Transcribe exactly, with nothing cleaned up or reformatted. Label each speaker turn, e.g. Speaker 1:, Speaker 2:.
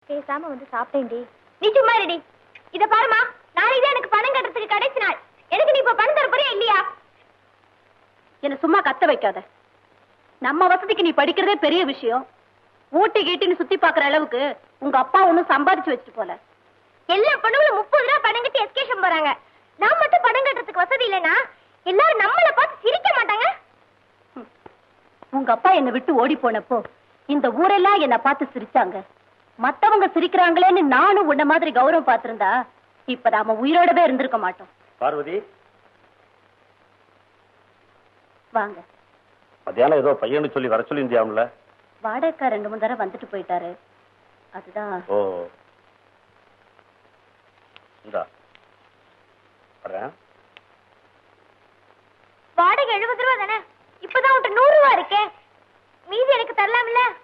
Speaker 1: பேசாம வந்து சாப்பிட்டேன்டி. நீ சும்மா இருடி. இத பாருமா, நாளைக்கு எனக்கு பணம் கட்டுறதுக்கு கடைசி நாள். எனக்கு நீ இப்ப பணம் தர போறியா இல்லையா?
Speaker 2: என்ன சும்மா கத்த வைக்காத. நம்ம வசதிக்கு நீ படிக்கிறதே பெரிய விஷயம். ஊட்டி கீட்டின்னு சுத்தி பாக்குற அளவுக்கு உங்க அப்பா ஒண்ணும் சம்பாதிச்சு வச்சுட்டு போல.
Speaker 1: எல்லா பொண்ணுங்களும் முப்பது ரூபா பணம் கட்டி எஸ்கேஷன் போறாங்க. நான் மட்டும் பணம் கட்டுறதுக்கு வசதி இல்லைன்னா எல்லாரும் நம்மள பார்த்து சிரிக்க மாட்டாங்க.
Speaker 2: உங்க அப்பா என்னை விட்டு ஓடி போனப்போ இந்த ஊரெல்லாம் என்ன பார்த்து சிரிச்சாங்க. மத்தவங்க சிரிக்கிறாங்களேன்னு நானும் உன்ன மாதிரி கௌரவம் பார்த்திருந்தா இப்ப நாம உயிரோடவே இருந்திருக்க மாட்டோம்.
Speaker 3: பார்வதி
Speaker 2: வாங்க.
Speaker 3: மத்தியானம் ஏதோ பையனு சொல்லி வர சொல்லி இந்தியாவுல
Speaker 2: வாடகைக்கார் ரெண்டு மூணு தடவை வந்துட்டு போயிட்டாரு. அதுதான்.
Speaker 3: ஓ இந்தா வரேன்.
Speaker 1: வாடகை எழுபது ரூபா தானே? இப்பதான் உன்கிட்ட நூறு ரூபா இருக்கே, மீதி எனக்கு தரலாம்ல?